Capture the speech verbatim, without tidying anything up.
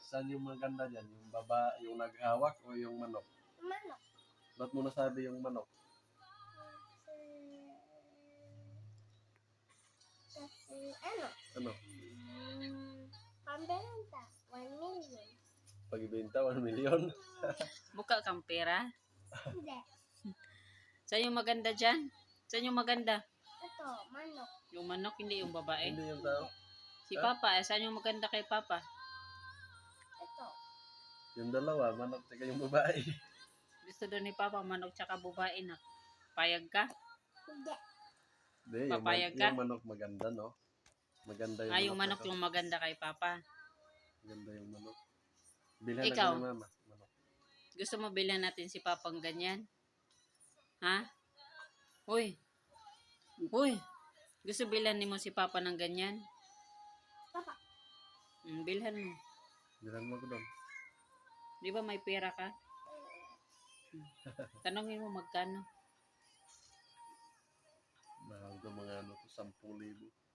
Saan yung maganda dyan? Yung baba, yung naghawak o yung manok? Manok. Ba't mo nasabi yung manok? Kasi, kasi ano? Ano? Hmm, pambenta. One million. Pagbenta, one million? Buka kang pera. Hindi. Saan yung maganda dyan? Saan yung maganda? Ito, manok. Yung manok, hindi yung babae. Hindi yung tao? Si Papa, eh, saan yung maganda kay Papa? Ito. Yung dalawa, manok tsaka yung babae. Gusto doon ni Papa, manok tsaka babae na. Payag ka? Hindi. Hindi, yung, man- Papayag ka? yung manok maganda, no? Maganda yung Ah, yung manok tsaka- yung maganda kay Papa. Maganda yung manok. Bilhan Ikaw? ako ni mama. Manok. Gusto mo bilhan natin si Papang ganyan? Ha? Uy. Uy. Gusto bilhan ni mo si Papa ng ganyan? Papa. Hmm, bilhan mo. Bilhan mo ko doon. Di ba may pera ka? Hmm. Tanongin mo magkano. Mahal ko mga ano to, sampung libo.